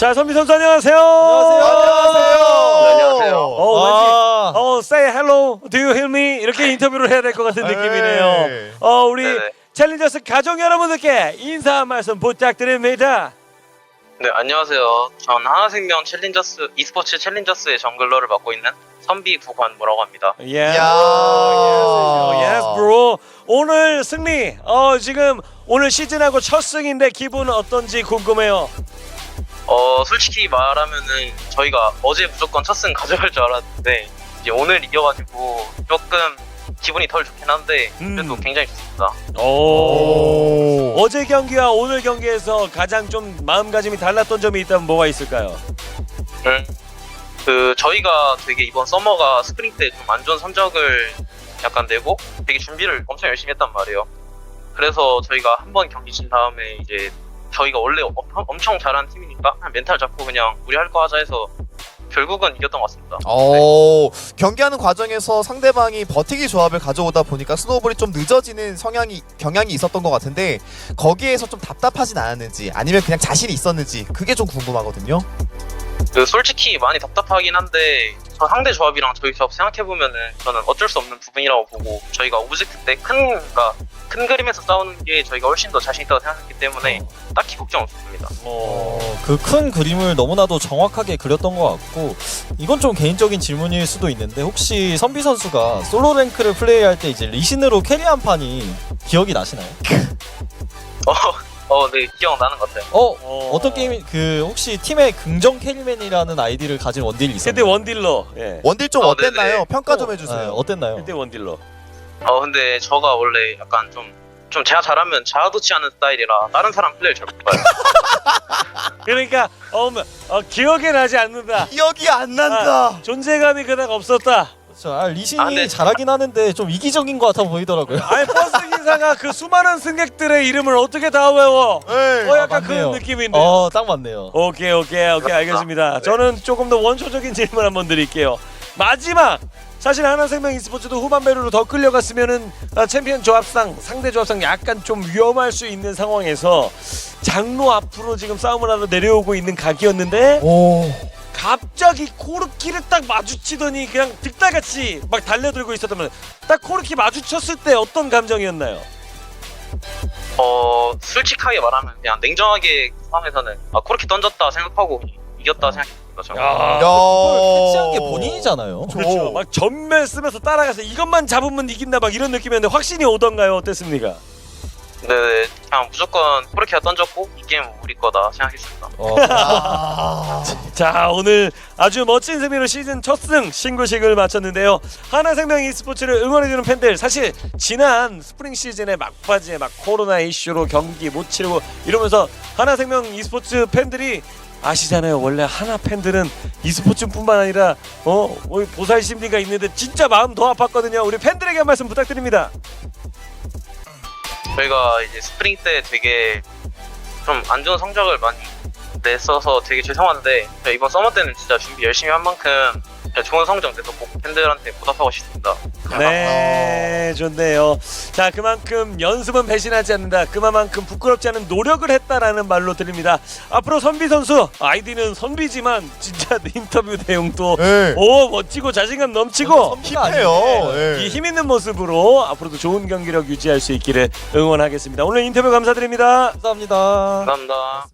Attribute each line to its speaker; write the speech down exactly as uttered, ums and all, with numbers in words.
Speaker 1: 자, 선비 선수 안녕하세요.
Speaker 2: 안녕하세요.
Speaker 3: 네, 안녕하세요.
Speaker 1: 어, 왠지
Speaker 2: 아.
Speaker 1: 어, say hello, do you hear me? 이렇게 인터뷰를 해야 될 것 같은 느낌이네요. 어, 우리
Speaker 3: 네네.
Speaker 1: 챌린저스 가족 여러분들께 인사 한 말씀 부탁드립니다.
Speaker 3: 네, 안녕하세요. 전 하나생명 챌린저스 e스포츠 챌린저스의 정글러를 맡고 있는 선비 구관무라고 합니다.
Speaker 1: 예.
Speaker 2: 야.
Speaker 1: yes, bro. 오늘 승리. 어, 지금 오늘 시즌하고 첫 승인데 기분은 어떤지 궁금해요.
Speaker 3: 어, 솔직히 말하면은 저희가 어제 무조건 첫 승 가져갈 줄 알았는데 이제 오늘 이겨가지고 조금 기분이 덜 좋긴 한데 그래도
Speaker 1: 음.
Speaker 3: 굉장히 좋습니다.
Speaker 1: 오. 어제 경기와 오늘 경기에서 가장 좀 마음가짐이 달랐던 점이 있다면 뭐가 있을까요?
Speaker 3: 음, 그 저희가 되게 이번 서머가 스프링 때 좀 안 좋은 성적을 약간 내고 되게 준비를 엄청 열심히 했단 말이에요. 그래서 저희가 한 번 경기 진 다음에 이제 저희가 원래 엄, 엄청 잘하는 팀이니까 그냥 멘탈 잡고 그냥 우리 할 거 하자 해서 결국은 이겼던 것 같습니다.
Speaker 2: 오, 경기하는 과정에서 상대방이 버티기 조합을 가져오다 보니까 스노우볼이 좀 늦어지는 성향이 경향이 있었던 것 같은데 거기에서 좀 답답하진 않았는지 아니면 그냥 자신이 있었는지 그게 좀 궁금하거든요.
Speaker 3: 그 솔직히 많이 답답하긴 한데 저 상대 조합이랑 저희 조합 생각해 보면은 저는 어쩔 수 없는 부분이라고 보고 저희가 오브젝트 때 큰 그러니까 큰 그림에서 싸우는 게 저희가 훨씬 더 자신 있다고 생각했기 때문에 딱히 걱정 없습니다.
Speaker 1: 어.
Speaker 4: 그 큰 그림을 너무나도 정확하게 그렸던 것 같고 이건 좀 개인적인 질문일 수도 있는데 혹시 선비 선수가 솔로 랭크를 플레이할 때 이제 리신으로 캐리한 판이 기억이 나시나요?
Speaker 3: 어, 어, 네 기억나는 것 같아요.
Speaker 4: 어?
Speaker 1: 어.
Speaker 4: 어떤 게임 그 혹시 팀에 긍정 캐리맨이라는 아이디를 가진 원딜이 있었나요?
Speaker 1: 그때 원딜러. 예.
Speaker 2: 원딜 좀
Speaker 3: 어,
Speaker 2: 어땠나요?
Speaker 3: 네네.
Speaker 2: 평가 좀
Speaker 4: 네,
Speaker 2: 해주세요.
Speaker 4: 어땠나요?
Speaker 1: 그때 원딜러.
Speaker 3: 어 근데 저가 원래 약간 좀 좀 제가 잘하면 자아도취 하는 스타일이라 다른 사람 플레이를 잘 못 봐요.
Speaker 1: 그러니까 어, 뭐, 어 기억에 나지 않는다.
Speaker 2: 기억이 안 난다.
Speaker 1: 존재감이 그닥 없었다.
Speaker 4: 그렇죠. 아, 리신이
Speaker 3: 아, 근데-
Speaker 4: 잘하긴 하는데 좀 이기적인 것 같아 보이더라고요.
Speaker 1: 아니 버스 기사가 그 수많은 승객들의 이름을 어떻게 다 외워?
Speaker 2: 네.
Speaker 1: 어 약간
Speaker 4: 아, 맞네요.
Speaker 1: 그런 느낌인데.
Speaker 4: 어, 딱 맞네요.
Speaker 1: 오케이 오케이 오케이 알겠습니다.
Speaker 3: 네.
Speaker 1: 저는 조금 더 원초적인 질문 한번 드릴게요. 마지막 사실 하나생명 e스포츠도 후반배로 더 끌려갔으면은 아, 챔피언 조합상 상대 조합상 약간 좀 위험할 수 있는 상황에서 장로 앞으로 지금 싸움을 하러 내려오고 있는 각이었는데
Speaker 2: 오.
Speaker 1: 갑자기 코르키를 딱 마주치더니 그냥 득달같이 막 달려들고 있었다면 딱 코르키 마주쳤을 때 어떤 감정이었나요?
Speaker 3: 어 솔직하게 말하면 그냥 냉정하게 상황에서는 아 코르키 던졌다 생각하고 이겼다 생각했습니다. 저는.
Speaker 1: 야.
Speaker 4: 그걸 캐치한 게 본인이잖아요.
Speaker 1: 그렇죠. 막 전멸 쓰면서 따라가서 이것만 잡으면 이긴다 막 이런 느낌이었는데 확신이 오던가요? 어땠습니까?
Speaker 3: 네, 그냥 무조건 코르키가 던졌고 이 게임 우리 거다 생각했습니다.
Speaker 4: 어,
Speaker 2: 아.
Speaker 1: 자 오늘 아주 멋진 승리로 시즌 첫 승 신고식을 마쳤는데요. 하나생명 e스포츠를 응원해주는 팬들 사실 지난 스프링 시즌의 막바지에 막 코로나 이슈로 경기 못 치르고 이러면서 하나생명 e스포츠 팬들이 아시잖아요. 원래 하나 팬들은 e스포츠뿐만 아니라 어 보살 심리가 있는데 진짜 마음 더 아팠거든요. 우리 팬들에게 한 말씀 부탁드립니다.
Speaker 3: 저희가 이제 스프링 때 되게 좀 안 좋은 성적을 많이 냈어서 되게 죄송한데 저희 이번 서머 때는 진짜 준비 열심히 한 만큼 진짜 좋은 성적 내서 꼭 팬들한테 보답하고 싶습니다.
Speaker 1: 네, 좋네요. 자, 그만큼 연습은 배신하지 않는다. 그만큼 부끄럽지 않은 노력을 했다라는 말로 드립니다. 앞으로 선비 선수 아이디는 선비지만 진짜 인터뷰 내용도
Speaker 2: 네.
Speaker 1: 오 멋지고 자신감 넘치고
Speaker 2: 힙해요. 네.
Speaker 1: 이 힘 있는 모습으로 앞으로도 좋은 경기력 유지할 수 있기를 응원하겠습니다. 오늘 인터뷰 감사드립니다.
Speaker 4: 감사합니다.
Speaker 3: 감사합니다.